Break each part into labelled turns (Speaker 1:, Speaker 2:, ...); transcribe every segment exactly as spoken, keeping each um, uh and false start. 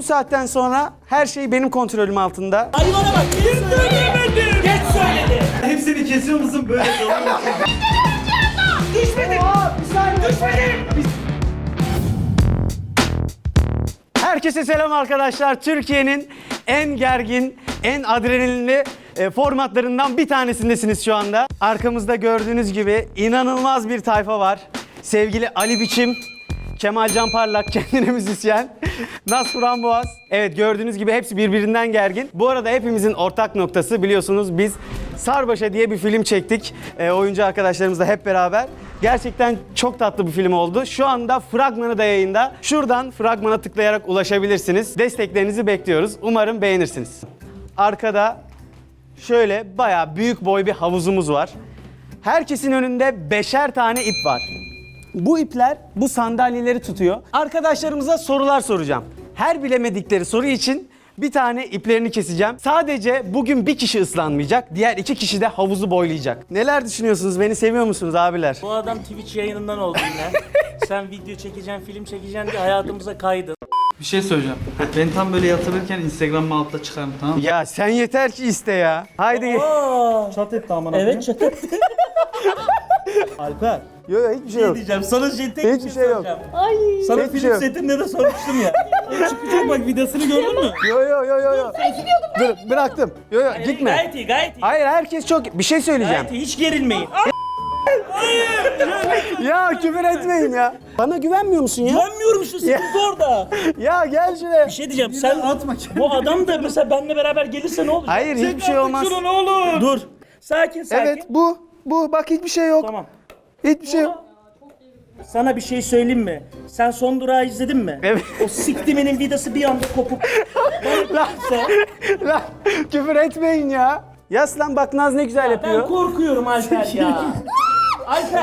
Speaker 1: Bu saatten sonra her şey benim kontrolüm altında.
Speaker 2: Hayvana bak, geç söylemedim. Geç söyledi.
Speaker 3: Hepsini kesiyor musun böyle?
Speaker 2: Düşmedim. Düşmedim.
Speaker 1: Herkese selam arkadaşlar. Türkiye'nin en gergin, en adrenalinli e, formatlarından bir tanesindesiniz şu anda. Arkamızda gördüğünüz gibi inanılmaz bir tayfa var. Sevgili Ali Biçim, Kemal Can Parlak, kendine müzisyen, Naz Framboğaz. Evet, gördüğünüz gibi hepsi birbirinden gergin. Bu arada hepimizin ortak noktası, biliyorsunuz biz Sarbaşa diye bir film çektik. E, oyuncu arkadaşlarımızla hep beraber. Gerçekten çok tatlı bir film oldu. Şu anda fragmanı da yayında. Şuradan fragmana tıklayarak ulaşabilirsiniz. Desteklerinizi bekliyoruz. Umarım beğenirsiniz. Arkada şöyle bayağı büyük boy bir havuzumuz var. Herkesin önünde beşer tane ip var. Bu ipler bu sandalyeleri tutuyor. Arkadaşlarımıza sorular soracağım. Her bilemedikleri soru için bir tane iplerini keseceğim. Sadece bugün bir kişi ıslanmayacak. Diğer iki kişi de havuzu boylayacak. Neler düşünüyorsunuz? Beni seviyor musunuz abiler?
Speaker 2: Bu adam Twitch yayınından oldu yine. Sen video çekeceksin, film çekeceksin diye hayatımıza kaydın.
Speaker 3: Bir şey söyleyeceğim. Ben tam böyle yatırırken Instagram'ı altına çıkarım, tamam mı?
Speaker 1: Ya sen yeter ki iste ya. Haydi.
Speaker 2: Aa,
Speaker 3: Çat etti aman
Speaker 2: evet çatı.
Speaker 3: Alper.
Speaker 1: Yok yok hiçbir şey yok.
Speaker 2: diyeceğim. Sana şey tek
Speaker 1: Hiçbir
Speaker 2: bir
Speaker 1: şey yok.
Speaker 2: soracağım.
Speaker 4: Ay.
Speaker 2: Sana
Speaker 1: Hiçbir
Speaker 2: film
Speaker 1: şey yok.
Speaker 2: setinde de sormuştum ya. O çıkacak bak, videosunu gördün mü?
Speaker 1: Yo yo yo yo yo. Dur bıraktım. Yo yo gitme.
Speaker 2: Gayet iyi, gayet iyi.
Speaker 1: Hayır, herkes çok... Bir şey söyleyeceğim.
Speaker 2: Gayet iyi, hiç gerilmeyin.
Speaker 1: Ya küfür etmeyin ya. Bana güvenmiyor musun ya?
Speaker 2: Güvenmiyorum işte, sıkıntı orada.
Speaker 1: Ya gel şuraya.
Speaker 2: Bir şey diyeceğim, sen atma. Bu adam da mesela benimle beraber gelirse ne olacak?
Speaker 1: Hayır, hiçbir şey olmaz.
Speaker 2: Şunu ne olur. Dur. Sakin sakin.
Speaker 1: Evet bu. Bu bak hiçbir şey yok.
Speaker 2: Tamam.
Speaker 1: Hiçbir şey yok.
Speaker 2: Sana bir şey söyleyeyim mi? Sen son durağı izledin mi?
Speaker 1: Evet.
Speaker 2: O siktiminin vidası bir anda kopup
Speaker 1: Lan, lan küfür etmeyin ya. Yaslan bak Naz ne güzel
Speaker 2: ben
Speaker 1: yapıyor.
Speaker 2: korkuyorum Alper ya. Alper.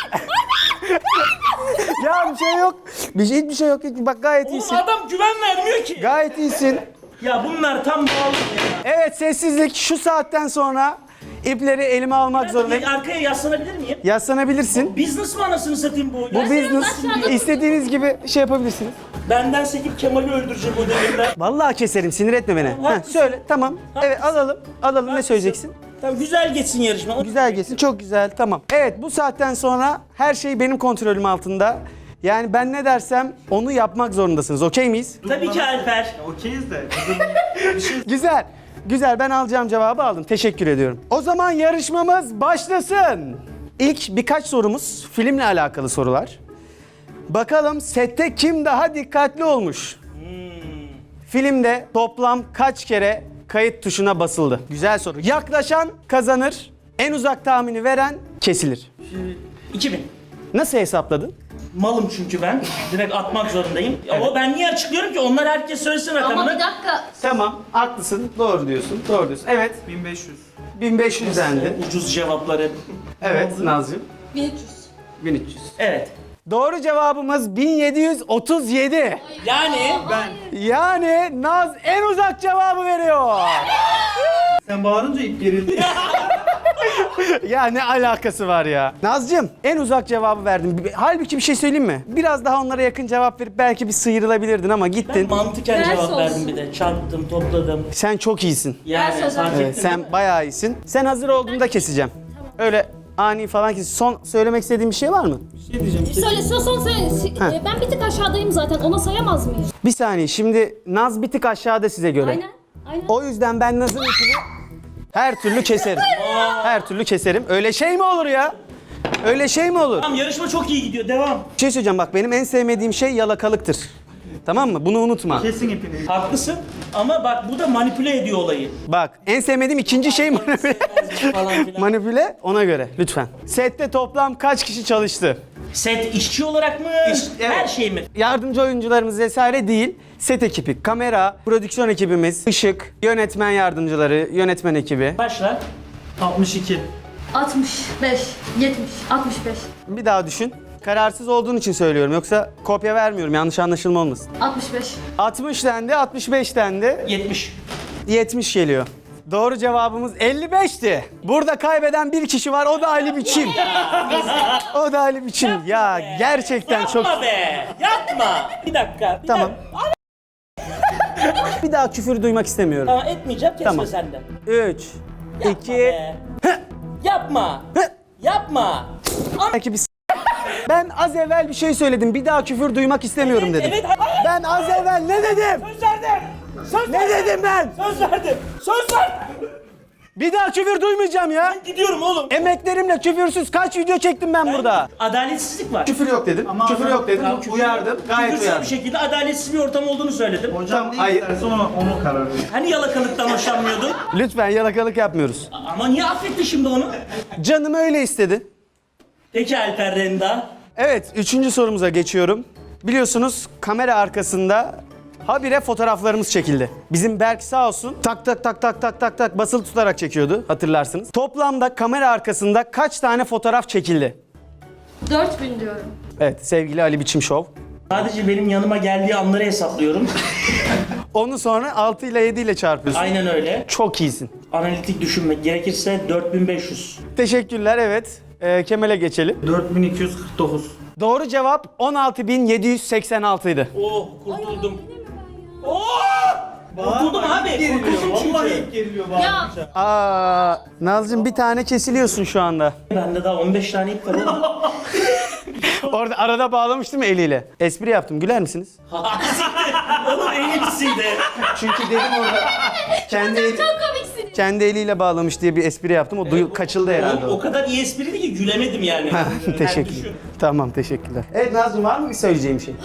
Speaker 1: Ya bir şey yok. Bir şey, hiçbir şey yok. Hiç- Bak gayet
Speaker 2: Oğlum
Speaker 1: iyisin.
Speaker 2: adam güven vermiyor ki.
Speaker 1: Gayet iyisin.
Speaker 2: Ya bunlar tam bağlı ya.
Speaker 1: Evet, sessizlik. Şu saatten sonra ipleri elime almak zorundayım.
Speaker 2: Bir arkaya yaslanabilir miyim?
Speaker 1: Yaslanabilirsin.
Speaker 2: Business mı anasını satayım bu?
Speaker 1: Bu
Speaker 2: Ya
Speaker 1: business. İstediğiniz gibi şey yapabilirsiniz.
Speaker 2: benden sekip Kemal'i öldürecek o devirde.
Speaker 1: Vallahi keserim, sinir etme beni. Heh,
Speaker 2: haklısın.
Speaker 1: söyle, tamam. Evet, alalım. Alalım, ne söyleyeceksin?
Speaker 2: Tamam, güzel geçsin yarışma. O-
Speaker 1: Güzel geçsin, çok güzel, tamam. Evet, bu saatten sonra her şey benim kontrolüm altında. Yani ben ne dersem onu yapmak zorundasınız, okey miyiz?
Speaker 2: Tabii ki Alper.
Speaker 3: Okeyiz de.
Speaker 1: Güzel, güzel. Ben alacağım cevabı aldım. Teşekkür ediyorum. O zaman yarışmamız başlasın. İlk birkaç sorumuz filmle alakalı sorular. Bakalım sette kim daha dikkatli olmuş? Filmde toplam kaç kere kayıt tuşuna basıldı? Güzel soru. Yaklaşan kazanır. En uzak tahmini veren kesilir.
Speaker 2: iki bin.
Speaker 1: Nasıl hesapladın?
Speaker 2: Malım çünkü ben. Direkt atmak zorundayım. Ama ben niye açıklıyorum ki? Onlar herkes söylesin rakamını.
Speaker 4: Ama bir dakika.
Speaker 1: Tamam, haklısın. Doğru diyorsun. Doğru diyorsun. Evet,
Speaker 3: bin beş yüz.
Speaker 1: bin beş yüz dendi.
Speaker 2: Ucuz cevapları.
Speaker 1: Evet, Nazcığım.
Speaker 4: bin üç yüz.
Speaker 1: bin üç yüz.
Speaker 2: Evet.
Speaker 1: Doğru cevabımız bin yedi yüz otuz yedi.
Speaker 2: Yani
Speaker 4: Ben.
Speaker 1: Yani Naz en uzak cevabı veriyor.
Speaker 3: Sen bağırınca ip gerildi.
Speaker 1: Ya ne alakası var ya? Nazcığım en uzak cevabı verdin. Halbuki bir şey söyleyeyim mi? Biraz daha onlara yakın cevap verip belki bir sıyrılabilirdin ama
Speaker 2: ben
Speaker 1: gittin.
Speaker 2: mantıken
Speaker 4: Ders
Speaker 2: cevap
Speaker 4: olsun.
Speaker 2: verdim bir de. Çarptım, topladım.
Speaker 1: Sen çok iyisin.
Speaker 2: Yani
Speaker 4: Ders
Speaker 2: fark
Speaker 4: olsun.
Speaker 1: Evet,
Speaker 2: ettim.
Speaker 1: sen bayağı iyisin. Sen hazır olduğunda keseceğim. Öyle ani falan kes. Son söylemek istediğin bir şey var mı?
Speaker 3: Bir şey diyeceğim.
Speaker 4: Söyle son son söyle.
Speaker 1: Ha.
Speaker 4: E, Ben bir tık aşağıdayım zaten. Ona sayamaz mıyız?
Speaker 1: Bir saniye, şimdi Naz bir tık aşağıda size göre.
Speaker 4: Aynen. Aynen.
Speaker 1: O yüzden ben Naz'ın ipini her türlü keserim. Her türlü keserim. Öyle şey mi olur ya? Öyle şey mi olur?
Speaker 2: Tamam, yarışma çok iyi gidiyor. Devam.
Speaker 1: Bir şey söyleyeceğim, bak benim en sevmediğim şey yalakalıktır. Tamam mı? Bunu unutma.
Speaker 3: Kesin ipini.
Speaker 2: Haklısın ama bak bu da manipüle ediyor olayı.
Speaker 1: Bak en sevmediğim ikinci şey manipüle.
Speaker 2: Falan filan.
Speaker 1: Manipüle, ona göre lütfen. Sette toplam kaç kişi çalıştı?
Speaker 2: Set işçi olarak mı?
Speaker 1: İş- evet.
Speaker 2: Her şey mi?
Speaker 1: Yardımcı oyuncularımız vesaire değil. Set ekibi, kamera, prodüksiyon ekibimiz, ışık, yönetmen yardımcıları, yönetmen ekibi.
Speaker 2: Başla.
Speaker 3: altmış iki.
Speaker 4: altmış beş. yetmiş. altmış beş.
Speaker 1: Bir daha düşün. Kararsız olduğun için söylüyorum, yoksa kopya vermiyorum, yanlış anlaşılma olmasın.
Speaker 4: altmış beş.
Speaker 1: altmış dendi, altmış beş dendi,
Speaker 2: yetmiş.
Speaker 1: yetmiş geliyor. Doğru cevabımız elli beşti. Burada kaybeden bir kişi var, o da Ali Biçim. O da Ali Biçim. Ya gerçekten çok...
Speaker 2: Yapma be! Yapma! Bir dakika. Bir
Speaker 1: Tamam.
Speaker 2: dakika.
Speaker 1: Bir daha küfür duymak istemiyorum.
Speaker 2: Tamam etmeyeceğim, kesme
Speaker 1: Tamam.
Speaker 2: sen de.
Speaker 1: üç,
Speaker 2: Yapma
Speaker 1: iki,
Speaker 2: be. Yapma. Yapma.
Speaker 1: belki bir s- Ben az evvel bir şey söyledim. Bir daha küfür duymak istemiyorum
Speaker 2: Evet,
Speaker 1: dedim.
Speaker 2: evet, hayır.
Speaker 1: Ben az evvel ne dedim?
Speaker 2: Söz verdim. Söz
Speaker 1: Ne
Speaker 2: verdim.
Speaker 1: dedim ben?
Speaker 2: Söz verdim. Söz verdim.
Speaker 1: Bir daha küfür duymayacağım ya.
Speaker 2: Gidiyorum oğlum.
Speaker 1: Emeklerimle küfürsüz kaç video çektim ben burada.
Speaker 2: Adaletsizlik var.
Speaker 1: Küfür yok dedim. küfür yok dedim. Uyardım. Gayet
Speaker 2: Küfürsüz
Speaker 1: uyardım.
Speaker 2: bir şekilde adaletsiz bir ortam olduğunu söyledim.
Speaker 3: Hocam ne
Speaker 1: hayır.
Speaker 3: isterse ona, onu karar verir.
Speaker 2: Hani yalakalıktan hoşlanmıyordun?
Speaker 1: Lütfen yalakalık yapmıyoruz.
Speaker 2: Ama niye affetti şimdi onu?
Speaker 1: Canım öyle istedi.
Speaker 2: Peki Alper Renda.
Speaker 1: Evet, üçüncü sorumuza geçiyorum. Biliyorsunuz kamera arkasında habire fotoğraflarımız çekildi. Bizim Berk sağ olsun tak tak tak tak tak tak tak basılı tutarak çekiyordu, hatırlarsınız. Toplamda kamera arkasında kaç tane fotoğraf çekildi?
Speaker 4: dört bin diyorum.
Speaker 1: Evet, sevgili Ali Biçim Show.
Speaker 2: Sadece benim yanıma geldiği anları hesaplıyorum.
Speaker 1: Onu sonra altı ile yedi ile çarpıyorsun.
Speaker 2: Aynen öyle.
Speaker 1: Çok iyisin.
Speaker 2: Analitik düşünmek gerekirse dört bin beş yüz.
Speaker 1: Teşekkürler, evet. Ee, Kemal'e geçelim.
Speaker 3: dört bin iki yüz kırk dokuz.
Speaker 1: Doğru cevap on altı bin yedi yüz seksen altı idi.
Speaker 2: Oh kurtuldum. Oh! Kurtuldum abi. Kurtuldum çünkü.
Speaker 3: Vallahi ilk geriliyor bana.
Speaker 4: Ya
Speaker 1: Aa, Nazcığım bir tane kesiliyorsun şu anda.
Speaker 2: Bende daha on beş tane ip var oğlum.
Speaker 1: Orada arada bağlamıştım eliyle. Espri yaptım, güler misiniz?
Speaker 2: Oğlum en iyisiydi.
Speaker 1: Çünkü dedim orada kendi eli,
Speaker 4: çok komiksin.
Speaker 1: kendi eliyle bağlamış diye bir espri yaptım. O duyu, kaçıldı herhalde.
Speaker 2: Oğlum,
Speaker 1: O.
Speaker 2: o kadar iyi espriydi ki gülemedim yani. Yani
Speaker 1: Teşekkür.
Speaker 2: düşün.
Speaker 1: Tamam, teşekkürler. Evet Nazcığım, var mı bir söyleyeceğim şey?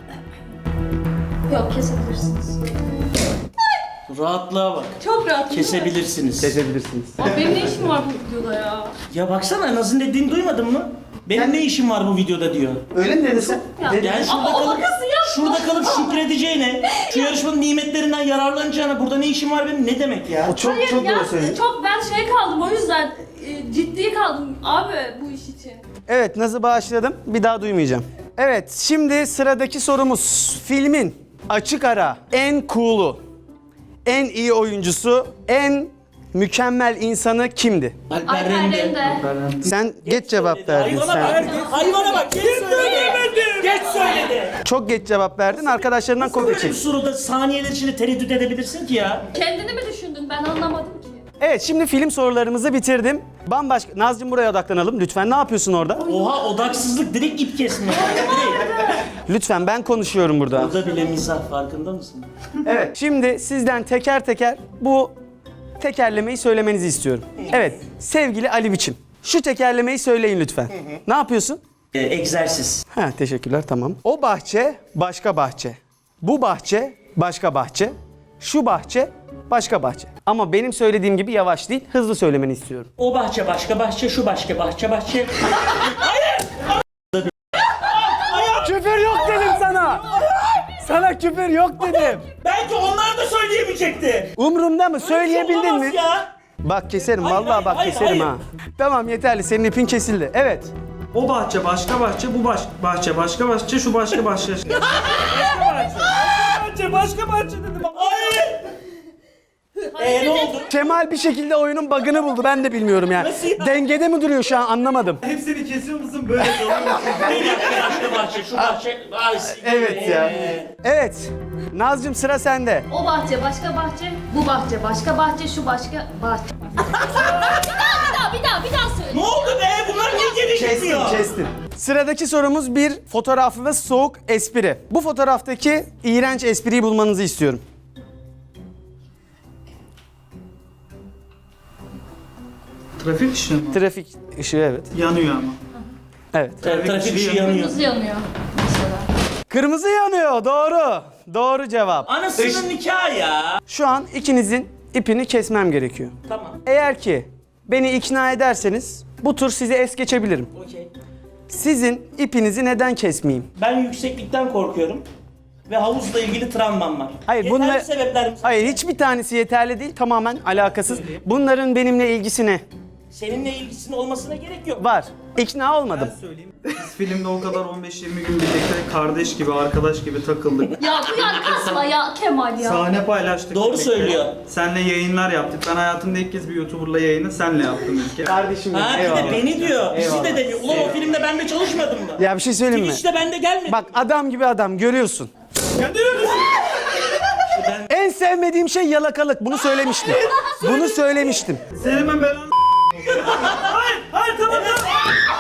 Speaker 4: Yok kesebilirsiniz.
Speaker 2: Rahatlığa bak.
Speaker 4: Çok rahat.
Speaker 2: Kesebilirsiniz.
Speaker 1: Kesebilirsiniz.
Speaker 4: Abi benim ne işim var bu videoda ya?
Speaker 2: Ya baksana Naz'ın dediğini duymadın mı? Benim ne işim var bu videoda diyor.
Speaker 1: Öyle mi dedin sen?
Speaker 4: Ya.
Speaker 2: Yani şurada
Speaker 4: Ama o
Speaker 2: kalıp,
Speaker 4: makası yapma.
Speaker 2: şurada kalıp şükredeceğine, şu yarışmanın nimetlerinden yararlanacağına burada ne işim var benim ne demek ya?
Speaker 1: O çok
Speaker 4: Hayır
Speaker 1: çok
Speaker 4: ya
Speaker 1: doğru söylüyor.
Speaker 4: çok ben şey kaldım o yüzden e, ciddi kaldım abi bu iş için.
Speaker 1: Evet, Naz'ı bağışladım. Bir daha duymayacağım. Evet, şimdi sıradaki sorumuz. Filmin açık ara en cool'u, en iyi oyuncusu, en mükemmel insanı kimdi?
Speaker 2: Alper
Speaker 4: Alper
Speaker 2: Rende.
Speaker 4: Rende.
Speaker 1: Sen geç cevap verdin
Speaker 2: Hayvana
Speaker 1: sen.
Speaker 2: bak, hayvana bak, geç söyledi. Geç söyledi.
Speaker 1: Çok geç cevap verdin. Arkadaşlarından kopya
Speaker 2: Böyle bir
Speaker 1: çek.
Speaker 2: soruda saniyeler içinde tereddüt edebilirsin ki ya.
Speaker 4: Kendini mi düşündün ben anlamadım ki.
Speaker 1: Evet, şimdi film sorularımızı bitirdim. Bambaşka... Nazcığım buraya odaklanalım lütfen. Ne yapıyorsun orada?
Speaker 2: Oha odaksızlık direkt ip kesme. Direkt.
Speaker 1: Lütfen, ben konuşuyorum burada.
Speaker 2: Burada bile mizah farkında mısın?
Speaker 1: Evet, şimdi sizden teker teker bu tekerlemeyi söylemenizi istiyorum. Evet, sevgili Ali Biçim. Şu tekerlemeyi söyleyin lütfen. Ne yapıyorsun?
Speaker 2: Ee, egzersiz.
Speaker 1: Ha, teşekkürler, tamam. O bahçe başka bahçe. Bu bahçe başka bahçe. Şu bahçe başka bahçe. Ama benim söylediğim gibi yavaş değil, hızlı söylemeni istiyorum.
Speaker 2: O bahçe başka bahçe, şu başka bahçe bahçe.
Speaker 1: Küfür yok dedim sana. Sana küfür yok dedim.
Speaker 2: Belki onlar da söyleyemeyecekti.
Speaker 1: Umrumda mı? Söyleyebildin
Speaker 2: Olamaz
Speaker 1: mi?
Speaker 2: Ya.
Speaker 1: Bak keserim,
Speaker 2: Hayır,
Speaker 1: vallahi
Speaker 2: hayır,
Speaker 1: bak
Speaker 2: hayır,
Speaker 1: keserim
Speaker 2: hayır.
Speaker 1: ha. Tamam, yeterli, senin ipin kesildi. Evet.
Speaker 3: O bahçe başka bahçe, bu baş, bahçe başka bahçe, şu başka bahçe.
Speaker 2: Bahçe başka bahçe dedim. Hayır. Eee ne oldu?
Speaker 1: Kemal bir şekilde oyunun bug'ını buldu, ben de bilmiyorum yani.
Speaker 2: Nasıl ya?
Speaker 1: Dengede mi duruyor şu an, anlamadım.
Speaker 3: Hepsini kesiyor musun böyle kalıyor musun?
Speaker 2: Bir dakika başka bahçe, şu bahçe. Ay,
Speaker 1: Evet ya.
Speaker 2: Ee,
Speaker 1: Evet. Nazcığım, sıra sende.
Speaker 4: O bahçe başka bahçe, bu bahçe başka bahçe, şu başka bahçe. bir daha bir daha bir daha bir daha söyle.
Speaker 2: Ne oldu be? Bunlar niye geri gidiyor?
Speaker 1: Kestim. Sıradaki sorumuz bir fotoğraflı ve soğuk espri. Bu fotoğraftaki iğrenç espriyi bulmanızı istiyorum.
Speaker 3: Trafik ışığı mı?
Speaker 1: Trafik ışığı, evet.
Speaker 3: Yanıyor ama.
Speaker 1: Evet.
Speaker 2: Trafik, trafik ışığı yanıyor.
Speaker 4: Kırmızı yanıyor mesela.
Speaker 1: Kırmızı yanıyor, doğru. Doğru cevap.
Speaker 2: Anasının nikahı ya.
Speaker 1: Şu an ikinizin ipini kesmem gerekiyor.
Speaker 2: Tamam.
Speaker 1: Eğer ki beni ikna ederseniz bu tur sizi es geçebilirim.
Speaker 2: Okey.
Speaker 1: Sizin ipinizi neden kesmeyeyim?
Speaker 2: Ben yükseklikten korkuyorum. Ve havuzla ilgili travmam var.
Speaker 1: Hayır,
Speaker 2: Yeterli
Speaker 1: bunlar-
Speaker 2: sebepler mi?
Speaker 1: Hayır, hiçbir tanesi yeterli değil, tamamen alakasız. Bunların benimle ilgisi ne?
Speaker 2: Seninle ilgisinin olmasına gerek yok.
Speaker 1: Var. İkna olmadım.
Speaker 3: Söyleyeyim. Biz filmde o kadar on beş yirmi gün birlikte kardeş gibi, arkadaş gibi takıldık.
Speaker 4: Ya bu yani kasma ya Kemal ya.
Speaker 3: Sahne paylaştık.
Speaker 2: Doğru
Speaker 3: birlikte.
Speaker 2: söylüyor.
Speaker 3: Senle yayınlar yaptık. Ben hayatımda ilk kez bir YouTuber'la yayını senle yaptım ilk kez.
Speaker 1: Kardeşim benim,
Speaker 2: Ha bir de
Speaker 1: eyvallah.
Speaker 2: beni diyor. Bizi
Speaker 1: Eyvallah.
Speaker 2: de demiyor. Ulan o filmde ben de çalışmadım mı?
Speaker 1: Ya bir şey söyleyeyim mi?
Speaker 2: Twitch'te ben de gelmedim.
Speaker 1: Bak, adam gibi adam görüyorsun.
Speaker 2: Ben
Speaker 1: En sevmediğim şey yalakalık. Bunu söylemiştim. Bunu söylemiştim.
Speaker 3: Senin ben belanı Hayır, hayır tamam tamam.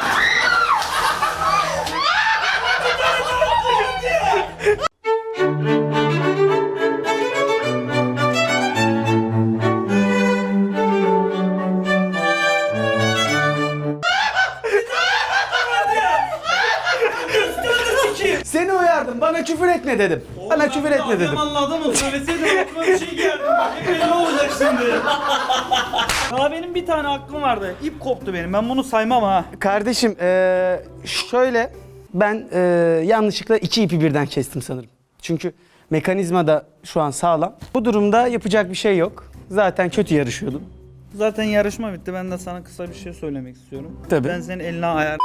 Speaker 1: Seni uyardım. Bana küfür etme dedim. Bana küfür etme dedim.
Speaker 3: Yamanlı adamım söyleseydim aklıma bir şey geldi. Ne olacak şimdi? Ya benim bir tane aklım vardı. İp koptu benim. Ben bunu saymam ha.
Speaker 1: Kardeşim eee, şöyle ben eee, yanlışlıkla iki ipi birden kestim sanırım. Çünkü mekanizma da şu an sağlam. Bu durumda yapacak bir şey yok. Zaten kötü yarışıyordum.
Speaker 3: Zaten yarışma bitti. Ben de sana kısa bir şey söylemek istiyorum.
Speaker 1: Tabii.
Speaker 3: Ben senin eline ayar...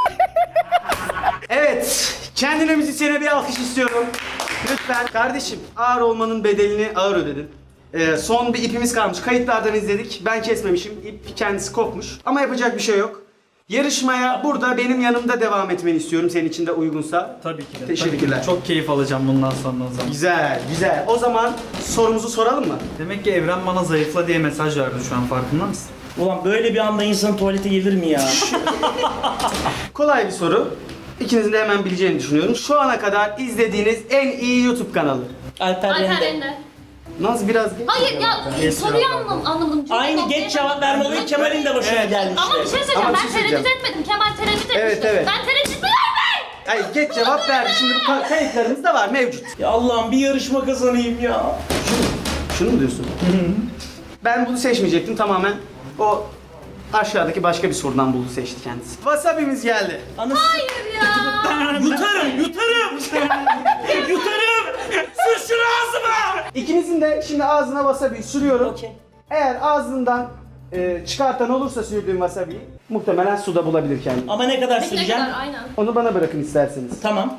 Speaker 1: Evet, kendine müzisyene bir alkış istiyorum. Lütfen. Kardeşim, ağır olmanın bedelini ağır ödedin. Ee, son bir ipimiz kalmış. Kayıtlardan izledik. Ben kesmemişim. İp kendisi kopmuş. Ama yapacak bir şey yok. Yarışmaya burada benim yanımda devam etmeni istiyorum. Senin için de uygunsa.
Speaker 3: Tabii ki de.
Speaker 1: Teşekkürler.
Speaker 3: Tabii ki. Çok keyif alacağım bundan sonra o zaman.
Speaker 1: Güzel, güzel. O zaman sorumuzu soralım mı?
Speaker 3: Demek ki Evren bana zayıfla diye mesaj verdi şu an, farkında mısın?
Speaker 2: Ulan böyle bir anda insan tuvalete gelir mi ya?
Speaker 1: Kolay bir soru. İkinizin de hemen bileceğini düşünüyorum. Şu ana kadar izlediğiniz en iyi YouTube kanalı.
Speaker 2: Alper
Speaker 4: Alper
Speaker 2: Rende.
Speaker 4: Ender.
Speaker 1: Naz biraz geç.
Speaker 4: Hayır ya
Speaker 3: Geç
Speaker 4: soruyu
Speaker 3: cevap
Speaker 4: anlam anlamadım. Cümle
Speaker 2: Aynı
Speaker 4: noktaya
Speaker 2: geç cevap verme olayı Kemal'in de başına gelmişti.
Speaker 4: Ama bir şey söyleyeceğim.
Speaker 1: Ama bir
Speaker 4: Ben
Speaker 1: şey
Speaker 4: tereddüt
Speaker 1: söyleyeceğim.
Speaker 4: etmedim. Kemal tereddüt etmişti.
Speaker 1: Evet, evet.
Speaker 4: Ben tereddüt eder
Speaker 1: Hayır, geç cevap verdi. Şimdi bu ka- kayıtlarımız da var, mevcut.
Speaker 2: Ya Allah'ım bir yarışma kazanayım ya.
Speaker 1: Şunu mu diyorsun? Ben bunu seçmeyecektim tamamen. O aşağıdaki başka bir sorudan buldu, seçti kendisi. Wasabi'miz geldi.
Speaker 2: Anasını
Speaker 4: Hayır ya.
Speaker 2: yutarım, yutarım. yutarım. Sür şunu ağzıma.
Speaker 1: İkinizin de şimdi ağzına wasabi'yi sürüyorum.
Speaker 2: Okey.
Speaker 1: Eğer ağzından e, çıkartan olursa sürdüğüm wasabi'yi muhtemelen suda bulabilir kendini.
Speaker 2: Ama ne kadar
Speaker 4: Ne
Speaker 2: süreceğim?
Speaker 4: kadar aynen.
Speaker 1: Onu bana bırakın isterseniz.
Speaker 2: Tamam.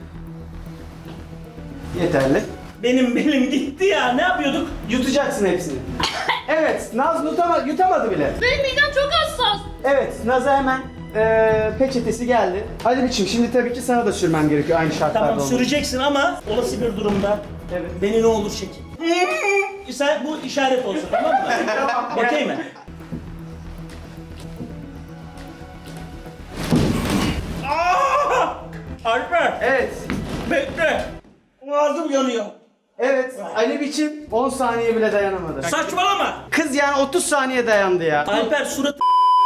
Speaker 1: Yeterli.
Speaker 2: Benim belim gitti ya. Ne yapıyorduk?
Speaker 1: Yutacaksın hepsini. Evet, Naz yutama, yutamadı bile.
Speaker 4: Benim midem çok hassas.
Speaker 1: Evet, Naz'a hemen e, peçetesi geldi. Ali biçim, şimdi tabii ki sana da sürmem gerekiyor aynı şartlarda.
Speaker 2: Tamam
Speaker 1: olmak.
Speaker 2: süreceksin ama olası bir durumda
Speaker 1: Evet.
Speaker 2: beni ne olur çekin. Sen bu işaret olsun, tamam mı? Okey mi? Aa! Alper,
Speaker 1: Evet.
Speaker 2: bekle. Ağzım yanıyor.
Speaker 1: Evet, Ali biçim on saniye bile dayanamadı.
Speaker 2: Saçmalama.
Speaker 1: Kız yani otuz saniye dayandı ya.
Speaker 2: Alper suratı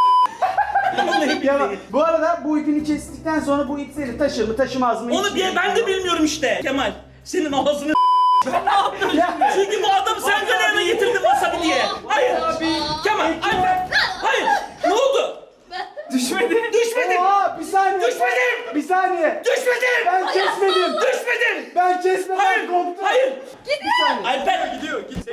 Speaker 1: Ya, bu arada bu ipini kestikten sonra bu ip seni taşır mı taşımaz mı?
Speaker 2: Onu
Speaker 1: hiç-
Speaker 2: diye ben de bilmiyorum işte. Kemal, senin ağzını ben ne yaptım?
Speaker 1: Ya.
Speaker 2: Çünkü bu adam sen yanına getirdin wasabi diye. Hayır. Kemal, Alper. Hayır. Ne oldu?
Speaker 1: Düşmedi.
Speaker 2: Düşmedin.
Speaker 1: Oha, bir saniye.
Speaker 2: Düşmedin.
Speaker 1: Bir saniye.
Speaker 2: Düşmedin.
Speaker 1: Ben kesmedim.
Speaker 2: Düşmedin.
Speaker 1: Ben kesmedim.
Speaker 2: Hayır.
Speaker 1: Koptu.
Speaker 2: Hayır.
Speaker 1: Bir saniye.
Speaker 2: Alper gidiyor. Git.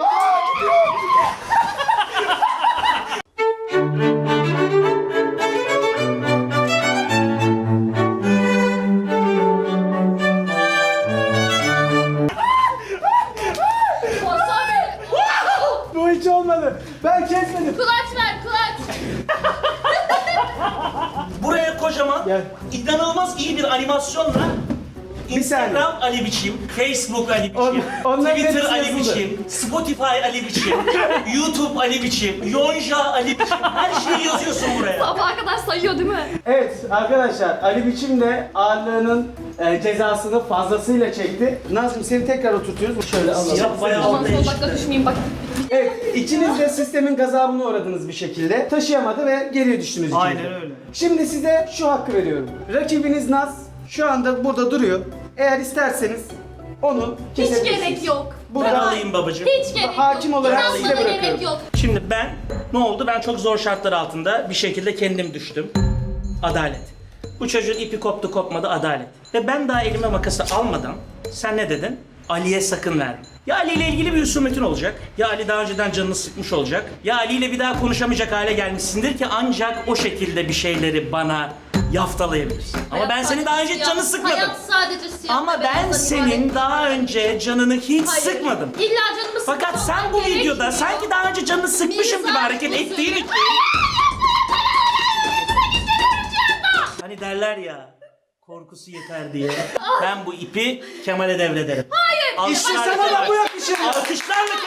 Speaker 4: Wasabi.
Speaker 1: Bu hiç olmadı. Ben kesmedim.
Speaker 4: Kulaç ver kulaç.
Speaker 2: Buraya kocaman,
Speaker 1: Gel.
Speaker 2: inanılmaz iyi bir animasyonla Instagram Ali Biçim, Facebook Ali Biçim,
Speaker 1: On- onların
Speaker 2: Twitter
Speaker 1: hepsi
Speaker 2: Ali
Speaker 1: yazılı.
Speaker 2: Biçim, Spotify Ali Biçim, YouTube Ali Biçim, Yonca Ali Biçim, her şeyi yazıyorsun buraya.
Speaker 4: Sabaha kadar sayıyor değil mi?
Speaker 1: Evet arkadaşlar, Ali biçim de ağırlığının e, cezasını fazlasıyla çekti. Nazım seni tekrar oturtuyoruz. Şöyle alalım.
Speaker 2: Siyah bayağı
Speaker 4: Aman
Speaker 2: ortaya
Speaker 4: son dakika
Speaker 2: çıktı.
Speaker 4: düşmeyeyim bak.
Speaker 1: Evet, ikiniz de sistemin gazabına uğradınız bir şekilde. Taşıyamadı ve geriye düştünüz ikiniz de.
Speaker 3: Aynen öyle.
Speaker 1: Şimdi size şu hakkı veriyorum. Rakibiniz Naz şu anda burada duruyor. Eğer isterseniz onu
Speaker 4: Hiç
Speaker 1: kesebilirsiniz.
Speaker 4: gerek yok.
Speaker 2: Ben
Speaker 1: Burada
Speaker 2: alayım babacığım.
Speaker 4: Hiç gerek yok.
Speaker 1: Hakim olarak
Speaker 4: İnanmana
Speaker 1: size bırakıyorum.
Speaker 4: gerek yok.
Speaker 2: Şimdi ben, ne oldu? Ben çok zor şartlar altında bir şekilde kendim düştüm. Adalet. Bu çocuğun ipi koptu kopmadı, adalet. Ve ben daha elime makası almadan sen ne dedin? Ali'ye sakın verme. Ya Ali ile ilgili bir husumetin olacak. Ya Ali daha önceden canını sıkmış olacak. Ya Ali ile bir daha konuşamayacak hale gelmişsindir ki ancak o şekilde bir şeyleri bana yaftalayabilirsin. Ama
Speaker 4: Hayat
Speaker 2: ben senin daha önce
Speaker 4: sadece
Speaker 2: canını
Speaker 4: siyah.
Speaker 2: sıkmadım.
Speaker 4: Hayat sadece siyah.
Speaker 2: Ama
Speaker 4: ve
Speaker 2: ben
Speaker 4: beyazdan
Speaker 2: senin
Speaker 4: ibaret.
Speaker 2: daha önce canını hiç
Speaker 4: Hayır.
Speaker 2: sıkmadım.
Speaker 4: İlla canımı
Speaker 2: Fakat
Speaker 4: sıkmam
Speaker 2: sen bu videoda
Speaker 4: gerekmiyor.
Speaker 2: sanki daha önce canını sıkmışım gibi
Speaker 4: Mizah
Speaker 2: hareket
Speaker 4: mısın?
Speaker 2: ettiğin için... Hani derler ya, korkusu yeter diye. Ben bu ipi Kemal'e devrederim. Hayır.
Speaker 1: İşte sana da bu yakışır.
Speaker 2: Alkışlarla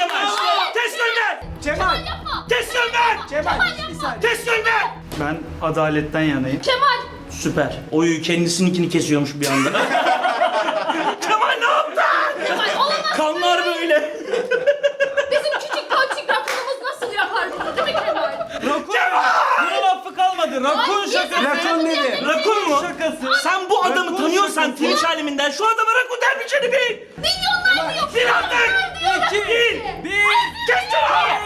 Speaker 1: saniye.
Speaker 2: Kes sözünü!
Speaker 3: Ben adaletten yanayım.
Speaker 4: Kemal.
Speaker 2: Süper. Oyu kendisininkini kesiyormuş bir anda. Kemal ne yaptın?
Speaker 4: Kemal olamaz.
Speaker 2: Kanlar böyle.
Speaker 4: Bizim küçük ponçik rakunumuz nasıl yapar bunu değil mi Kemal?
Speaker 3: Rakun! Bunun affı kalmadı. Rakun
Speaker 4: Ay,
Speaker 3: şakası.
Speaker 1: Rakun dedi.
Speaker 2: Rakun mu?
Speaker 3: Şakası.
Speaker 2: Sen bu adamı
Speaker 3: Rakun
Speaker 2: tanıyorsan
Speaker 3: şakası.
Speaker 2: Twitch aleminden şu adama rakun dermişini bil.
Speaker 4: Milyonlar diyor.
Speaker 2: Bil artık.
Speaker 3: İki, bir.
Speaker 2: Kes şunu.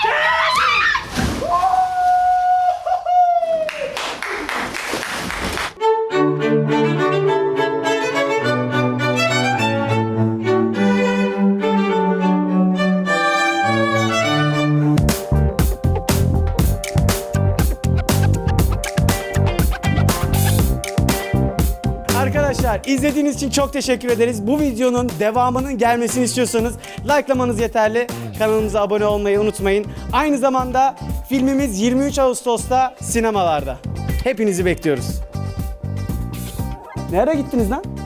Speaker 1: Arkadaşlar izlediğiniz için çok teşekkür ederiz. Bu videonun devamının gelmesini istiyorsanız likelamanız yeterli. Kanalımıza abone olmayı unutmayın. Aynı zamanda filmimiz yirmi üç Ağustos'ta sinemalarda. Hepinizi bekliyoruz. Nereye gittiniz lan?